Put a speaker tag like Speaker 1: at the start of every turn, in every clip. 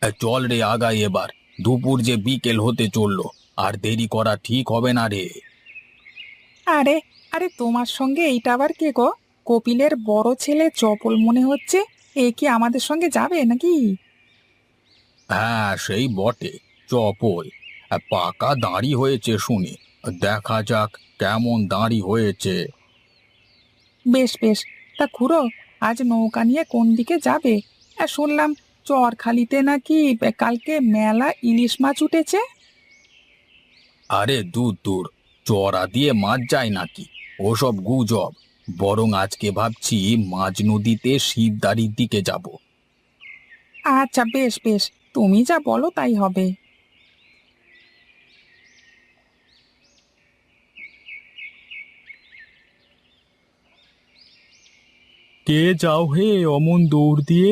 Speaker 1: চল রে আগাই এবার। দুপুর যে বিকেল হতে চললো, আর দেরি করা ঠিক হবে না রে।
Speaker 2: আরে আরে তোমার সঙ্গে এইটা আবার কে গো? কপিলের বড় ছেলে চপল মনে হচ্ছে। এ কি আমাদের সঙ্গে যাবে নাকি?
Speaker 1: হ্যাঁ সেই বটে, চপল। পাকা দাঁড়ি হয়েছে শুনি। দেখা যাক কেমন দাঁড়ি হয়েছে।
Speaker 2: বেশ বেশ। তা খুড়ো, আজ নৌকা নিয়ে কোন দিকে যাবে? শুনলাম চরখালিতে নাকি কালকে মেলা ইলিশ মাছ উঠেছে।
Speaker 1: আরে দূর দূর, চড়া দিয়ে মাছ যায় নাকি? ওসব গুজব। বরং আজকে ভাবছি মাঝ নদীতে শিবদাঁড়ির দিকে যাব।
Speaker 2: আচ্ছা বেশ বেশ, তুমি যা বলো তাই হবে।
Speaker 1: কে যাও হে অমন দৌড় দিয়ে?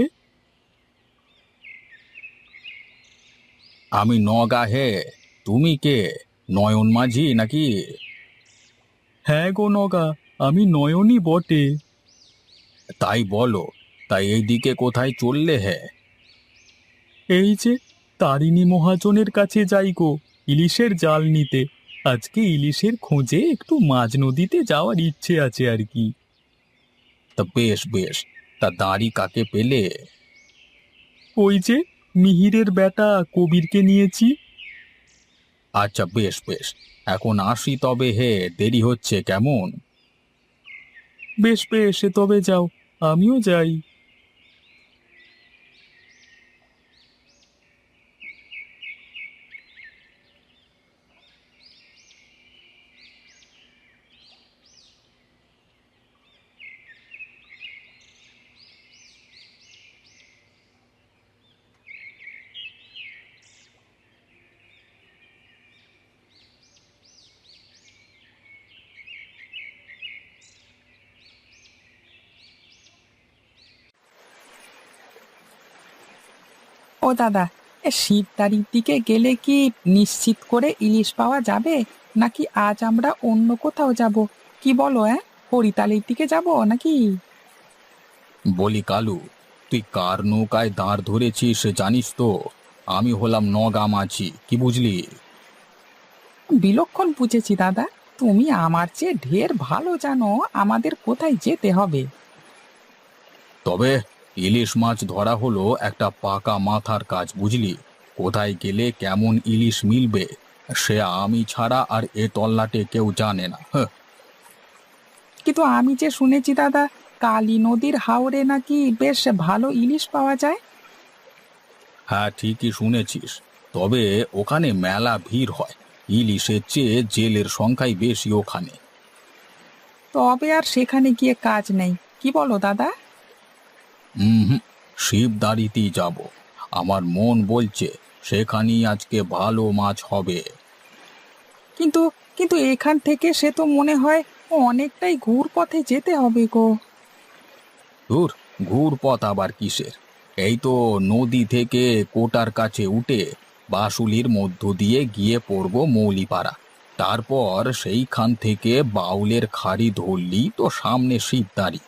Speaker 1: আমি নগা হে। তুমি কে? নয়ন মাঝি নাকি? হ্যাঁ গো নগা, আমি নয়নই বটে। তাই বলো, তাই এই দিকে কোথায় চললে হে? এই যে তারিণী মহাজনের কাছে যাই গো, ইলিশের জাল নিতে। আজকে ইলিশের খোঁজে একটু মাঝ নদীতে যাওয়ার ইচ্ছে আছে আর কি। তা বেশ বেশ। তা দাঁড়ি কাকে পেলে? ওই যে মিহিরের বেটা কবিরকে নিয়েছি। আচ্ছা বেশ বেশ। এখন আসি তবে হে, দেরি হচ্ছে কেমন। বেশ বেশ, তবে যাও, আমিও যাই।
Speaker 2: ও দাদা, শিবদাঁড়ির দিকে গেলে কি নিশ্চিত করে ইলিশ পাওয়া যাবে, নাকি আজ আমরা অন্য কোথাও যাব? কি বলো? হরিতালির দিকে যাব নাকি?
Speaker 1: বলি কালু, তুই কার নৌকায় দাঁড় ধরেছিস জানিস তো? আমি হলাম নগা মাঝি, কি বুঝলি?
Speaker 2: বিলক্ষণ বুঝেছি দাদা। তুমি আমার চেয়ে ঢের ভালো জানো আমাদের কোথায় যেতে হবে।
Speaker 1: তবে ইলিশ মাছ ধরা হলো একটা পাকা মাথার কাজ, বুঝলি? কোথায় গেলে কেমন ইলিশ মিলবে, সে আমি ছাড়া আর এ তল্লাটে কেউ জানে না। হ্যাঁ।
Speaker 2: কিন্তু আমি যে শুনেছি দাদা, কালী নদীর হাওরে নাকি বেশ ভালো ইলিশ পাওয়া যায়।
Speaker 1: হ্যাঁ ঠিকই শুনেছিস। তবে ওখানে মেলা ভিড় হয়। ইলিশের চেয়ে জেলের সংখ্যাই বেশি ওখানে।
Speaker 2: তবে আর সেখানে গিয়ে কাজ নেই, কি বলো দাদা?
Speaker 1: হুম, শিবদাঁড়িতেই যাব। আমার মন বলছে সেখানেই আজকে ভালো মাছ হবে।
Speaker 2: কিন্তু কিন্তু এখান থেকে সে তো মনে হয় অনেকটাই ঘুর পথে যেতে হবে গো।
Speaker 1: দূর, ঘুর পথ আবার কিসের? এই তো নদী থেকে কোটার কাছে উঠে বাসুলির মধ্য দিয়ে গিয়ে পড়ব মৌলিপাড়া। তারপর সেইখান থেকে বাউলের খাড়ি ধরলি তো সামনে শিবদাঁড়ি।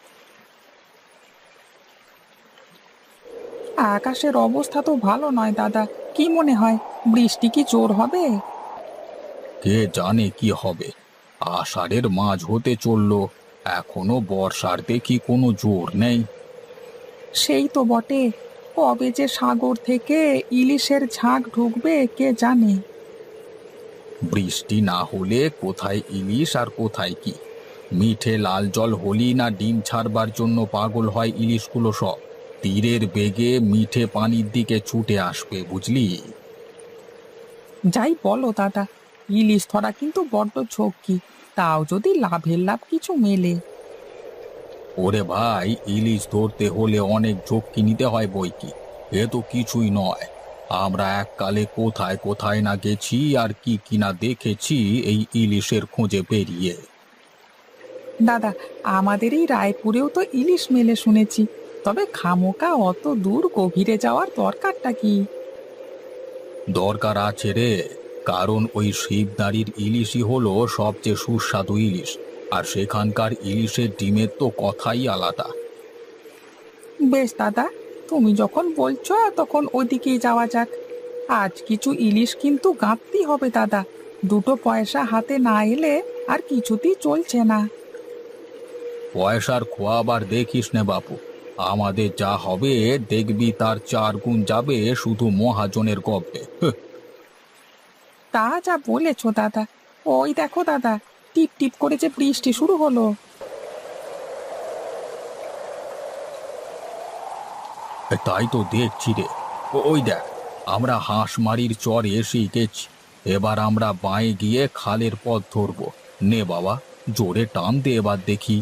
Speaker 2: আকাশের অবস্থা তো ভালো নয় দাদা। কি মনে হয়, বৃষ্টি কি জোর হবে?
Speaker 1: কে জানে কি হবে। আষাঢ়ের মাঝ হতে চললো, এখনো বর্ষার দেখি কোনো জোর নেই।
Speaker 2: সেই তো বটে। কবে যে সাগর থেকে ইলিশের ঝাঁক ঢুকবে কে জানে।
Speaker 1: বৃষ্টি না হলে কোথায় ইলিশ আর কোথায় কি? মিঠে লাল জল হলি না ডিম ছাড়বার জন্য পাগল হয় ইলিশগুলো সব। তীরের বেগে মিঠে পানির দিকে ছুটে আসবে, বুঝলি?
Speaker 2: যাই বলো দাদা, ইলিশ ধরা কিন্তু বড্ড ঝক্কি। তাও যদি লাভের লাভ কিছু মেলে।
Speaker 1: ওরে ভাই, ইলিশ ধরতে হলে অনেক ঝক্কি নিতে হয় বই কি। এ তো কিছুই নয়। আমরা এককালে কোথায় কোথায় না গেছি আর কি কিনা দেখেছি এই ইলিশের খোঁজে বেরিয়ে।
Speaker 2: দাদা, আমাদের এই রায়পুরেও তো ইলিশ মেলে শুনেছি। তবে খামোকা অত দূর গভীরে যাওয়ার দরকারটা কি?
Speaker 1: দরকার আছে রে। কারণ ওই শিবদাঁড়ির ইলিশই হলো সবচেয়ে সুস্বাদু ইলিশ। আর সেখানকার ইলিশের ডিমের তো কথাই আলাদা।
Speaker 2: বেশ দাদা, তুমি যখন বলছো তখন ওদিকেই যাওয়া যাক। আজ কিছু ইলিশ কিন্তু গাঁথতেই হবে দাদা, দুটো পয়সা হাতে না এলে আর কিছুতেই চলছে না।
Speaker 1: পয়সার খোয়াবার দেখিস নে বাপু, আমাদের যা হবে দেখবি তার 4 গুণ যাবে শুধু মহাজনের গপ্পে।
Speaker 2: তা যা বলেছো দাদা। ওই দেখো দাদা, টিপ টিপ করে যে বৃষ্টি শুরু হলো।
Speaker 1: তাই তো দেখছি রে। ওই দেখ, আমরা হাঁসমারির চর এসেই গেছি। এবার আমরা বাঁয়ে গিয়ে খালের পথ ধরবো। নে বাবা, জোরে টান দে এবার দেখি।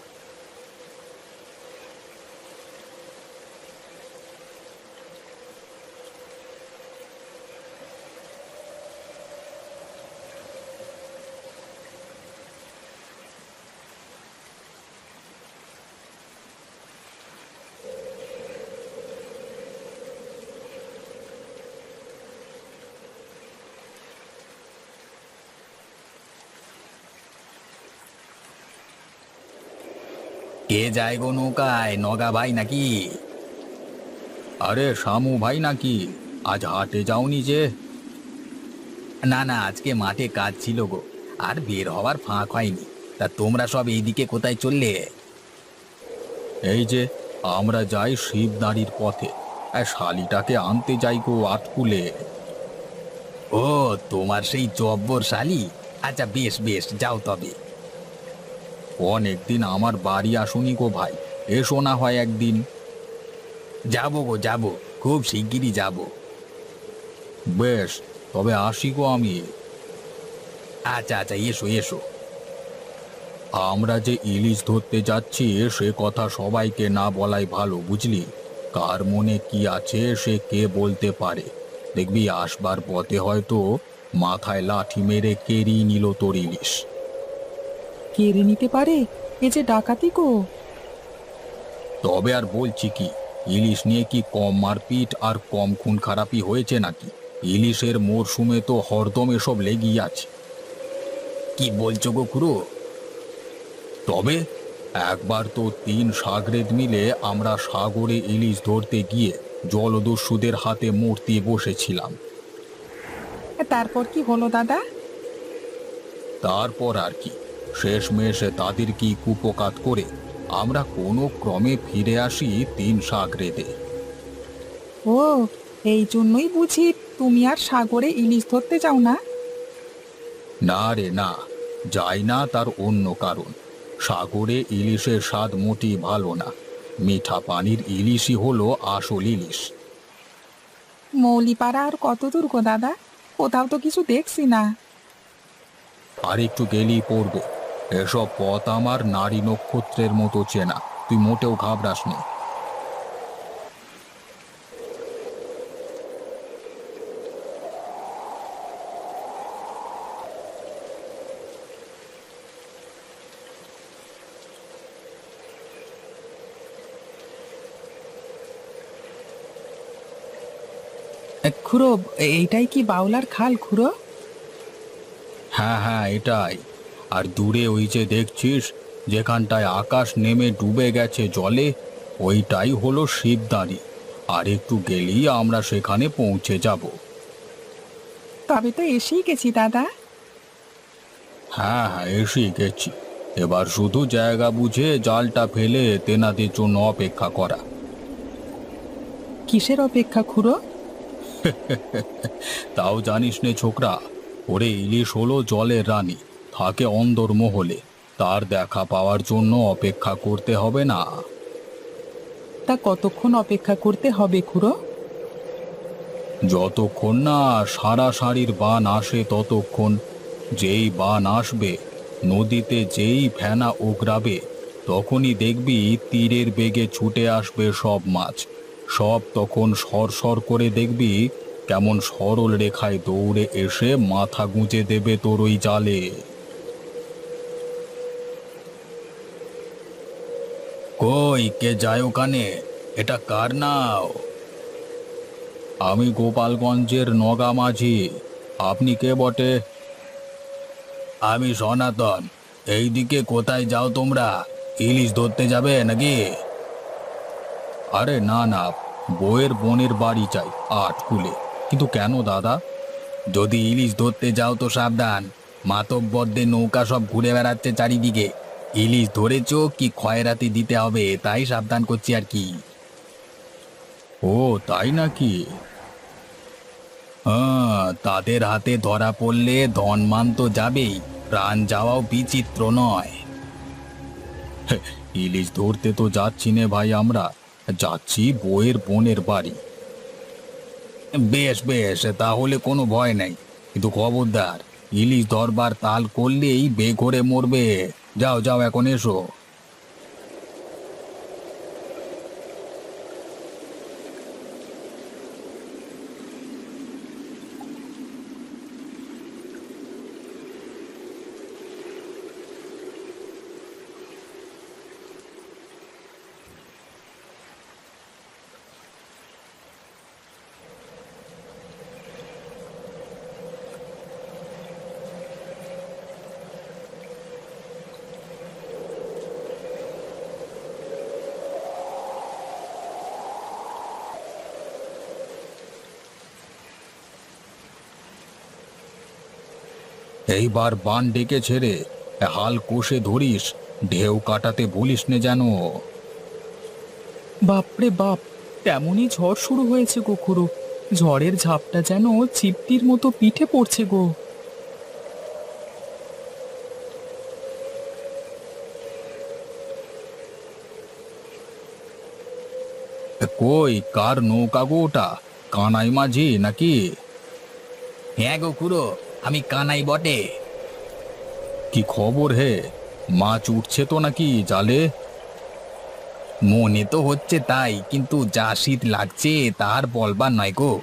Speaker 1: কে যায় গো নৌকায়, নগা ভাই নাকি? আরে শামু ভাই নাকি? আজ হাটে যাওনি যে? না না, আজকে মাঠে কাজ ছিল গো, আর বের হওয়ার ফাঁক হয়নি। তা তোমরা সব এইদিকে কোথায় চললে? এই যে, আমরা যাই শিবদাঁড়ির পথে। শালিটাকে আনতে যাই গো আটকুলে। ও, তোমার সেই জব্বর শালি। আচ্ছা, বেশ বেশ, যাও তবে। অনেকদিন আমার বাড়ি আসুনি গো ভাই, এসো না হয় একদিন। যাবো গো যাবো, খুব শিগগিরই যাব। বেশ, তবে আসি গো আমি। আচ্ছা আচ্ছা, এসো এসো। আমরা যে ইলিশ ধরতে যাচ্ছি সে কথা সবাইকে না বলাই ভালো, বুঝলি? কার মনে কি আছে সে কে বলতে পারে। দেখবি আসবার পথে হয়তো মাথায় লাঠি মেরে কেড়িয়ে নিল তোর ইলিশ।
Speaker 2: কেড়ে নিতে পারে? এ যে ডাকাতি গো।
Speaker 1: তবে আর বলছি কি, ইলিশ নিয়ে কি কম মারপিট আর কম খুন খারাপি হয়েছে নাকি? ইলিশের মরশুমে তো হরদম এসব লেগেই আছে। কি বলছো গো খুড়ো? তবে একবার তো 3 সাগরেদ মিলে আমরা সাগরে ইলিশ ধরতে গিয়ে জলদস্যুদের হাতে মরতে বসেছিলাম।
Speaker 2: তারপর কি হলো দাদা?
Speaker 1: তারপর আর কি, শেষমেশ তাদের কি কুপকাত করে আমরা কোনো ক্রমে ফিরে আসি 3 সাগরেদে।
Speaker 2: ও, এই জন্যই বুঝি তুমি আর সাগরে ইলিশ ধরতে যাও না।
Speaker 1: না রে না, যাই না তার অন্য কারণ। সাগরে ইলিশের স্বাদ মোটেই ভালো না। মিঠা পানির ইলিশই হলো আসল ইলিশ।
Speaker 2: মৌলিপাড়া আর কত দূর গো দাদা? কোথাও তো কিছু দেখছি না।
Speaker 1: আর একটু গেলেই পড়বে। এসব পথ আমার নারী নক্ষত্রের মতো চেনা, তুই মোটেও ঘাবড়াস নে।
Speaker 2: খুড়ো, এইটাই কি বাউলার খাল খুড়ো?
Speaker 1: হ্যাঁ হ্যাঁ, এটাই। আর দূরে ওই যে দেখছিস, যেখানটায় আকাশ নেমে ডুবে গেছে জলে, ওইটাই হলো শিবদাঁড়ি। আর একটু গেলেই আমরা সেখানে পৌঁছে যাব।
Speaker 2: তবে তো এসেই গেছি দাদা।
Speaker 1: হ্যাঁ হ্যাঁ, এসেই গেছি। এবার শুধু জায়গা বুঝে জালটা ফেলে তেনাদের জন্য অপেক্ষা করা।
Speaker 2: কিসের অপেক্ষা খুড়ো?
Speaker 1: তাও জানিস নে ছোকরা, ওরে ইলিশ হলো জলের রানী, থাকে অন্দরমহলে। তার দেখা পাওয়ার জন্য অপেক্ষা করতে হবে না।
Speaker 2: তা কতক্ষণ অপেক্ষা করতে হবে খুড়ো?
Speaker 1: যতক্ষণ না সারা সারির বান আসে ততক্ষণ। যেই বান আসবে, নদীতে যেই ফেনা ওগরাবে, তখনই দেখবি তীরের বেগে ছুটে আসবে সব মাছ। সব তখন সরসর করে দেখবি কেমন সরল রেখায় দৌড়ে এসে মাথা গুঁজে দেবে তোর ওই জালে। কই কে যায় ওখানে? এটা কার নাও? আমি গোপালগঞ্জের নগা মাঝি। আপনি কে বটে? আমি সনাতন। এইদিকে কোথায় যাও তোমরা? ইলিশ ধরতে যাবে নাকি? আরে না না, বউয়ের বোনের বাড়ি চাই আটকুলে। কিন্তু কেন দাদা? যদি ইলিশ ধরতে যাও তো সাবধান, মাতব্বরদের নৌকা সব ঘুরে বেড়াচ্ছে চারিদিকে। ইলিশ ধরেছো কি খয়রাতি দিতে হবে তাই সাবধান করছি আর কি। ও তাই নাকি? হ্যাঁ, তাদের হাতে ধরা পড়লে ধনমান তো যাবেই, প্রাণ যাওয়াও বিচিত্র নয়। হে, ইলিশ ধরতে তো যাচ্ছি নে ভাই, আমরা যাচ্ছি বউয়ের বোনের বাড়ি। বেশ বেশ, তাহলে কোনো ভয় নেই, কিন্তু খবরদার ইলিশ ধরবার তাল করলেই বেঘরে মরবে। যাও যাও, এখন এসো। এইবার বান ডেকে ছেড়ে হাল কষে ধরিস, ঢেউ কাটাতে ভুলিস নে যেন।
Speaker 2: বাপরে বাপ, তেমনই ঝড় শুরু হয়েছে গো খুড়ো। ঝড়ের ঝাপটা যেন চিপটির মতো পিঠে পড়ছে গো।
Speaker 1: কই, কার নৌকা গো ওটা? কানাই মাঝি নাকি? হ্যাঁ গো খুড়ো, আমি কানাই বটে। কি খবর হে? মাছ উঠছে তো নাকি জালে? মনে তো হচ্ছে তাই, কিন্তু যা শীত লাগছে তার বলবার নয় গো।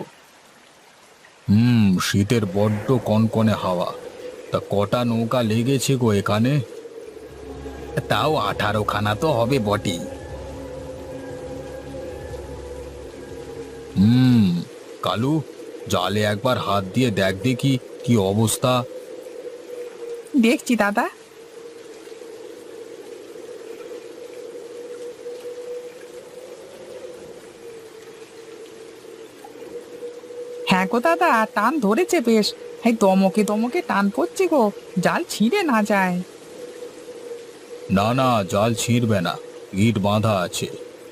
Speaker 1: শীতের বড্ড কনকনে হাওয়া। তা কটা নৌকা লেগেছে গো এখানে? তাও 18খানা তো হবে বটেই। হুম। কালু, জালে একবার হাত দিয়ে দেখ দেখি কি অবস্থা।
Speaker 2: দেখছি দাদা। হ্যাঁ গো দাদা, টান ধরেছে বেশ। এই দমকে দমকে টান পড়ছে গো, জাল ছিঁড়ে না যায়।
Speaker 1: না না, জাল ছিঁড়বে না, ইট বাঁধা আছে।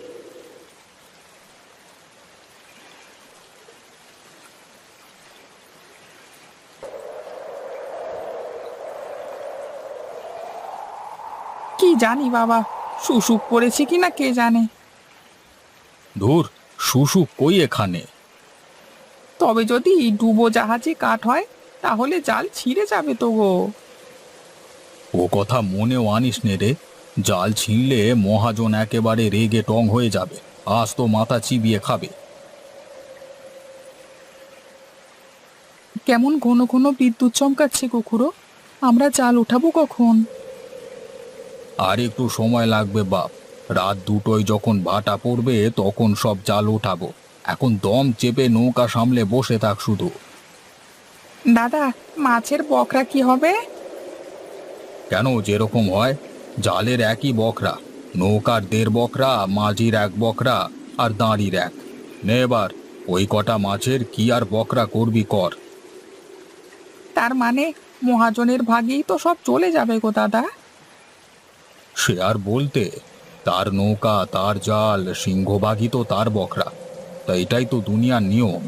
Speaker 2: কি জানি বাবা, শুশুক পড়েছে কিনা কে জানে।
Speaker 1: ধুর, শুশু কই এখানে?
Speaker 2: তবে যদি ডুবো জাহাজে কাঠ হয়, তাহলে জাল ছিঁড়ে যাবে তো গো।
Speaker 1: ও কথা মনেও আনিস নে রে। জাল ছিঁড়লে মহাজন একেবারে রেগে টং হয়ে যাবে, আজ তো মাথা চিবিয়ে খাবে।
Speaker 2: কেমন ঘন ঘন বিদ্যুৎ চমকাচ্ছে গো খুড়ো। আমরা জাল উঠাবো কখন?
Speaker 1: আর একটু সময় লাগবে বাপ। রাত দুটোয় যখন ভাটা পড়বে তখন সব জাল ওঠাবো। এখন দম চেপে নৌকা সামলে বসে থাক শুধু।
Speaker 2: দাদা, মাছের বকরা কি হবে?
Speaker 1: কেন, যেরকম হয় জালের একই বকরা। নৌকার 1.5 বকরা, মাঝির 1 বকরা, আর দাঁড়ির এক। নে এবার ওই কটা মাছের কি আর বকরা করবি কর।
Speaker 2: তার মানে মহাজনের ভাগেই তো সব চলে যাবে গো দাদা।
Speaker 1: সে আর বলতে, তার নৌকা, তার জাল, সিংহভাগই তো তার বকরা। তা এটাই তো দুনিয়ার নিয়ম।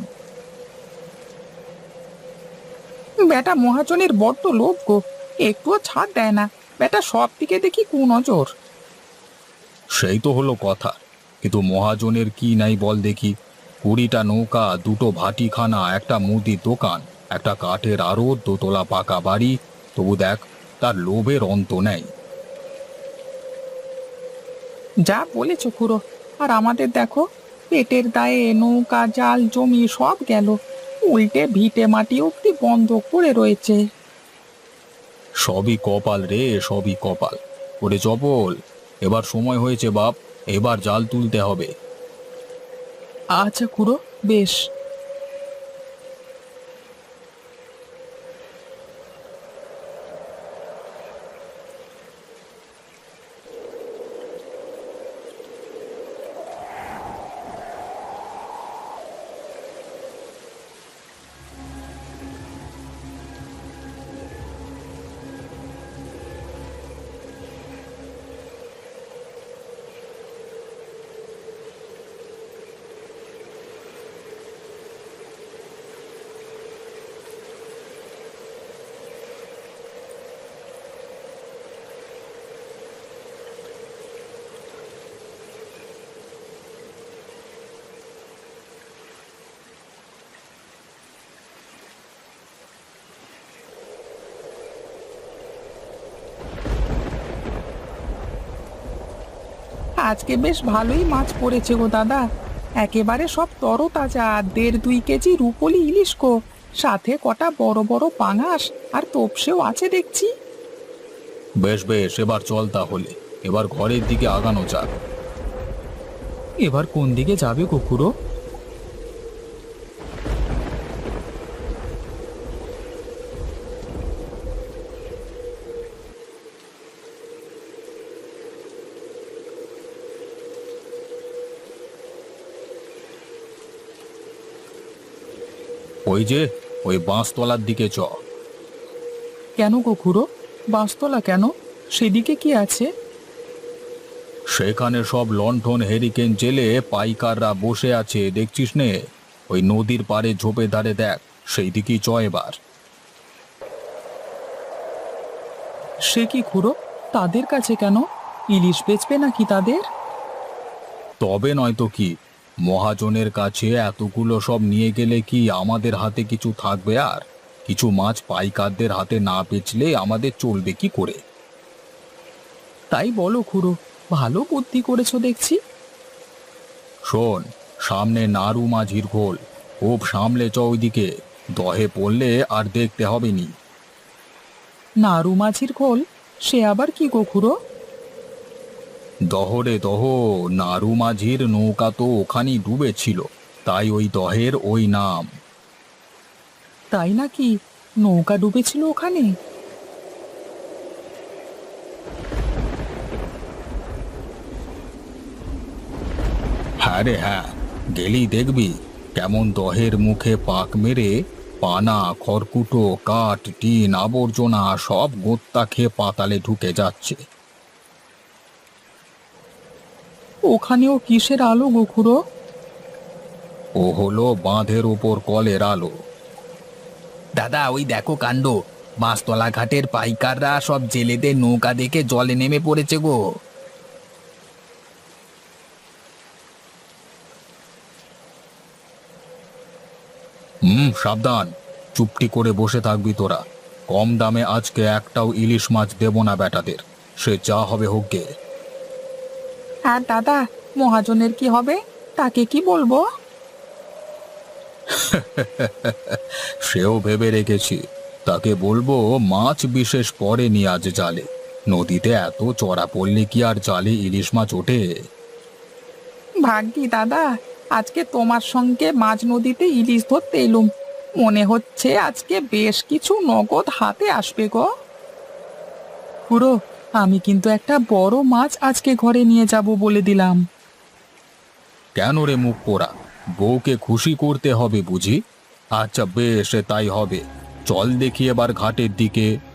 Speaker 2: বেটা মহাজনের বড্ড লোভ গো, একটুও ছাড় দেয় না। বেটা সব দিকে দেখি কুনজর।
Speaker 1: সেই তো হলো কথা। কিন্তু মহাজনের কি নাই বল দেখি? 20টা নৌকা, 2টো ভাটিখানা, একটা মুদির দোকান, একটা কাঠের আড়ত, 2তলা পাকা বাড়ি। তবু দেখ, তার লোভের অন্ত নেই।
Speaker 2: যা বলেছ খুড়ো। আর আমাদের দেখো, পেটের দায়ে নৌকা, জাল, জমি সব গেল। উল্টে ভিটে মাটি অব্দি বন্ধক পড়ে রয়েছে।
Speaker 1: সবই কপাল রে, সবই কপাল। ওরে চপল, এবার সময় হয়েছে বাপ, এবার জাল তুলতে হবে।
Speaker 2: আচ্ছা খুড়ো, বেশ। আজকে বেশ ভালোই মাছ পড়েছে গো দাদা। একেবারে সব তরতাজা 1.5-2 কেজি রুপোলি ইলিশ গো। সাথে কটা বড় বড় পাঙাশ আর তোপসেও আছে দেখছি।
Speaker 1: বেশ বেশ, এবার চল তাহলে। এবার ঘরের দিকে আগানো যাক। এবার কোন দিকে যাবে কুকুরো? ওই যে, ওই বাঁশতলার দিকে চ।
Speaker 2: কেন গো খুড়ো, বাঁশতলা কেন? সেদিকে কি আছে?
Speaker 1: সেখানে সব লণ্ঠন হেরিকেন জেলে পাইকাররা বসে আছে, দেখছিস নে? ওই নদীর পাড়ে ঝোপে ধারে দেখ, সেই দিকেই চ এবার।
Speaker 2: সে কি খুড়ো, তাদের কাছে কেন? ইলিশ বেচবে নাকি তাদের?
Speaker 1: তবে নয়তো কি, মহাজনের কাছে এতগুলো সব নিয়ে গেলে কি আমাদের হাতে কিছু থাকবে? আর কিছু মাছ পাইকারদের হাতে না বেচলে আমাদের চলবে কি করে?
Speaker 2: তাই বলো খুড়ো, ভালো বুদ্ধি করেছো দেখছি।
Speaker 1: শোন, সামনে নাড়ু মাঝির ঘোল, খুব সামলে চ ওইদিকে। দহে পড়লে আর দেখতে হবে নি।
Speaker 2: নাড়ু মাঝির খোল? সে আবার কি গো খুড়ো?
Speaker 1: দহরে দহ, নাড়ু মাঝির নৌকা তো ওখানেই ডুবেছিল, তাই ওই দহের ওই নাম।
Speaker 2: তাই নাকি? নৌকা ডুবেছিল ওখানে?
Speaker 1: হ্যাঁ রে হ্যাঁ, গেলেই দেখবি কেমন দহের মুখে পাক মেরে পানা, খড়কুটো, কাঠ, টিন, আবর্জনা সব গোত্তা খেয়ে পাতালে ঢুকে যাচ্ছে।
Speaker 2: ওখানেও কিসের আলো গো খুড়ো?
Speaker 1: ও হলো বাঁধের ওপর কলের আলো।
Speaker 2: দাদা, ওই দেখো কাণ্ড, বাঁশতলা ঘাটের পাইকাররা সব জেলেদের নৌকা দেখে জলে নেমে পড়েছে গো।
Speaker 1: সাবধান, চুপটি করে বসে থাকবি তোরা। কম দামে আজকে একটাও ইলিশ মাছ দেব না বেটাদের, সে যা হবে হোক গে।
Speaker 2: আর দাদা, মহাজনের কি হবে? তাকে কি বলবো?
Speaker 1: সেও ভেবে রেখেছি, তাকে বলবো মাছ বিশেষ পড়েনি আজ জালে। নদীতে এত চড়া পড়লে কি আর জালে ইলিশ মাছ ওঠে?
Speaker 2: ভাগ্যি দাদা, আজকে তোমার সঙ্গে মাঝ নদীতে ইলিশ ধরতে এলুম। মনে হচ্ছে আজকে বেশ কিছু নগদ হাতে আসবে গো। খুড়ো, আমি কিন্তু একটা বড় মাছ আজকে ঘরে নিয়ে যাব বলে দিলাম।
Speaker 1: কেন রে মুখ পোড়া, বউকে খুশি করতে হবে বুঝি? আচ্ছা বেশ, তাই হবে। চল দেখি এবার ঘাটের দিকে।